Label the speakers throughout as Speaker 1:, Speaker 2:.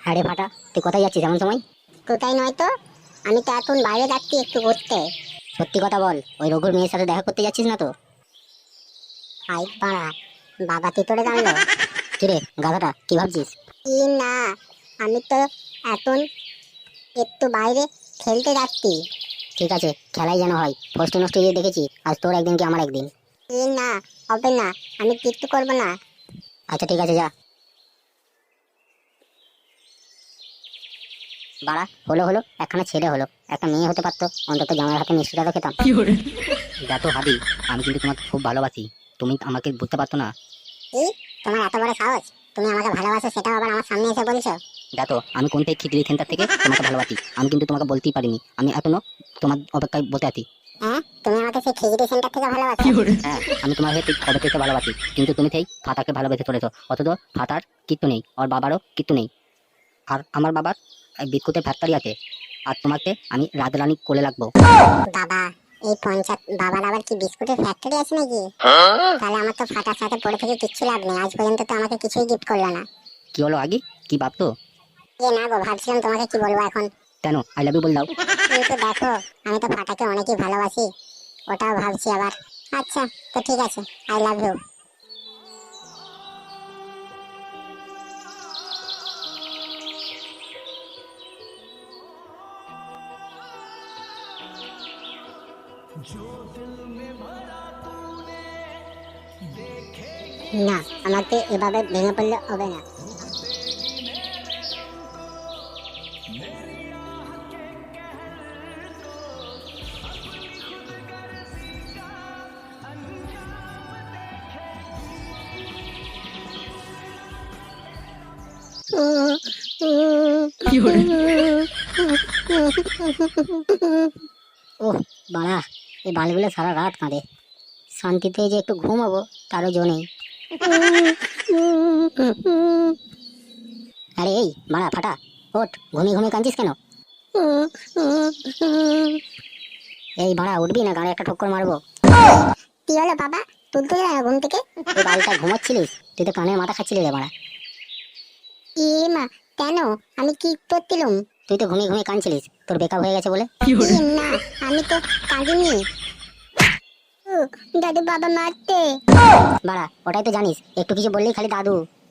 Speaker 1: আরে ফাটা, তুই কোথায় যাচ্ছিস এমন সময়?
Speaker 2: কোথায় নয় তো, আমি তো এখন বাইরে যাচ্ছি একটু ঘুরতে।
Speaker 1: সত্যি কথা বল, ওই রঘুর মেয়ের সাথে দেখা করতে যাচ্ছিস না তো?
Speaker 2: আই পাড়া, বাবা কি করে জানলো?
Speaker 1: কিরে গাধাটা, কি ভাবছিস?
Speaker 2: কি না, আমি তো এখন একটু বাইরে খেলতে যাচ্ছি।
Speaker 1: ঠিক আছে, খেলাই যেন হয়। ফষ্টি নষ্টি দিয়ে দেখেছি, আজ তোর একদিন কি আমার একদিন।
Speaker 2: কি না, হবে না, আমি কিচ্ছু করবো না।
Speaker 1: আচ্ছা ঠিক আছে, যা। বাড়া, হলো হলো, একখানা ছেলে হলো, একটা মেয়ে হতে পারতো, অন্তত জামাইয়ের হাতে মিষ্টিটা তো খেতাম।
Speaker 3: দেখো হাবি, আমি কিন্তু তোমাকে খুব ভালোবাসি। তুমি আমাকে বুঝতে পারতো না।
Speaker 2: কি, তোমার এত বড় সাহস? তুমি আমাকে ভালোবাসো, সেটাও আবার আমার সামনে এসে বলছো?
Speaker 3: দেখো, আমি কোন থেকে খিচড়ি সেন্টার থেকে তোমাকে ভালোবাসি, আমি কিন্তু তোমাকে বলতেই পারিনি। আমি এখনো তোমার অপেক্ষায় বসে আছি।
Speaker 2: হ্যাঁ, তুমি আমাকে সেই খিচড়ি সেন্টার থেকে ভালোবাসো?
Speaker 3: হ্যাঁ, আমি তোমার হয়ে ঠিক কবে থেকে ভালোবাসি, কিন্তু তুমি সেই ফাতাকে ভালোবেসে চলেছো। অথচ ফাতার কিচ্ছু নেই, ওর বাবারও কিচ্ছু নেই। আর আমার বাবার বিস্কুটের ফ্যাক্টরি আছে, আর তোমাকে আমি রাজরানী কোলে লাগবো।
Speaker 2: বাবা, এই পঞ্চায়েত বাবার আবার কি বিস্কুটের ফ্যাক্টরি আছে নাকি? তাহলে আমার তো ফাটার সাথে পড়ে থেকে কিচ্ছু লাভ নেই, আজ পর্যন্ত তো আমাকে কিছুই গিফট করলো না।
Speaker 3: কি হলো আগে, কি ভাবতো?
Speaker 2: না গো, ভাবছিলাম তোমাকে কি বলবো এখন।
Speaker 3: কেন, আই লাভ ইউ বল দাও।
Speaker 2: কিন্তু দেখো, আমি তো ফাটাকে অনেকই ভালোবাসি, ওটাও ভাবছি আবার। আচ্ছা, তো ঠিক আছে, আই লাভ ইউ। না, আমাকে এভাবে ভেঙে পড়লে হবে না।
Speaker 1: ওহ বাড়া, এই বালগুলো সারা রাত কাঁদে। শান্তিতে যে একটু ঘুমাবো তারও জো নেই। আরে এই বাড়া ফাটা, ওঠ, ঘুমিয়ে ঘুমিয়ে কাঁদছিস কেন? এই বাড়া, উঠবি না গাড়ি একটা ঠক্কর মারবো।
Speaker 2: কি হলো বাবা, তুলতে যায় না ঘুম থেকে?
Speaker 1: তুই বাড়িটা ঘুমাচ্ছিলিস, তুই তো কানের মাথা খাচ্ছিলি রে বাড়া।
Speaker 2: এ মা, কেন, আমি কি করছিলাম?
Speaker 1: তুই তো ঘুমিয়ে ঘুমিয়ে কাঁদছিলিস, তোর বেকআপ হয়ে গেছে বলে।
Speaker 2: না, আমি তো কাঁদিনি। দাদু, বাবা মারতে।
Speaker 1: বাড়া, ওটাই তো জানিস, একটু কিছু বললেই খালি দাদু।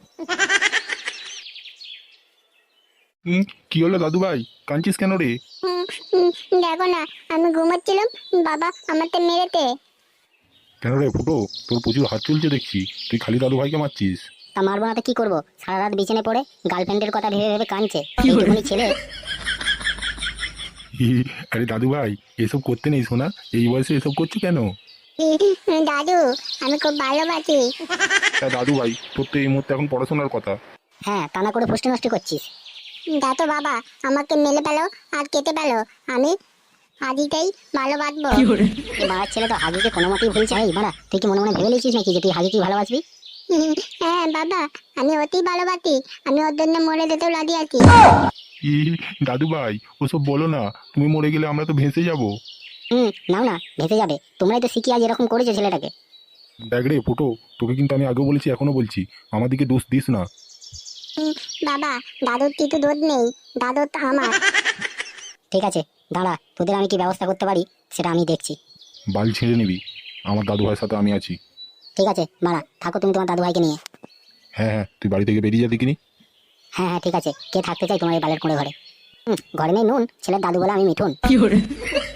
Speaker 4: কি হলো দাদু ভাই, কাঁদছিস কেন রে?
Speaker 2: দেখো না, আমি ঘুমাচ্ছিলাম, বাবা আমাকে মেরেতে।
Speaker 4: কেন রে ফুটো, তোর প্রচুর হাত চলছে দেখছি, তুই খালি দাদু ভাইকে মারছিস।
Speaker 1: তা মারবো না তো কি করবো, সারা রাত বিছানে পড়ে গার্লফ্রেন্ডের কথা ভেবে ভেবে কাঁদছে এইটুকুনি ছেলে।
Speaker 4: আরে দাদু ভাই, এসব করতে নেই শোনা, এই বয়সে এসব করছো কেন?
Speaker 2: দাদু, আমি খুব ভালোবাসি।
Speaker 4: তা দাদু ভাই, তোর তো এই মুহূর্তে এখন পড়াশোনার কথা।
Speaker 1: হ্যাঁ, তা না করে ফষ্টি নষ্টি করছিস।
Speaker 2: দেখো বাবা, আমাকে মেলে পেলো আর কেটে পেলো, আমি আদিতেই ভালোবাসবো।
Speaker 1: এই বাড়ার ছেলে তো হাগিকে কোনো মতেই ভুলছে। এই বাড়া, তুই কি মনে মনে ভেবে লিখিস নাকি যে তুই হাগিকে ভালোবাসবি?
Speaker 2: হ্যাঁ বাবা, আমি অতি ভালোবাসি, আমি ওর জন্য মরে যেতেও রাজি আছি।
Speaker 4: ই দাদু ভাই, ওসব বলো না, তুমি মরে গেলে আমরা তো ভেসে যাবো।
Speaker 1: নাও না, ভেসে যাবে, তোমরাই তো শিখি আজ এরকম করেছো ছেলেটাকে।
Speaker 4: দেখ রে ফুটো, তোকে কিন্তু আমি আগেও বলেছি এখনো বলছি, আমার দিকে দোষ দিস না।
Speaker 2: বাবা, দাদুর কিছু দোষ নেই, দাদু তো আমার।
Speaker 1: ঠিক আছে, দাঁড়া, তোদের আমি কি ব্যবস্থা করতে পারি সেটা আমি দেখছি।
Speaker 4: বাল ছেড়ে নিবি, আমার দাদু ভাইয়ের সাথে আমি আছি।
Speaker 1: ঠিক আছে বাড়া, থাকো তুমি তোমার দাদু ভাইকে নিয়ে।
Speaker 4: হ্যাঁ হ্যাঁ, তুই বাড়ি থেকে বেরিয়ে যা দেখিনি।
Speaker 1: হ্যাঁ হ্যাঁ ঠিক আছে, কে থাকতে চাই তোমার এই বালের কোড়ে ঘরে? ঘরে নেই নুন, ছেলের দাদু বলে আমি মিঠুন।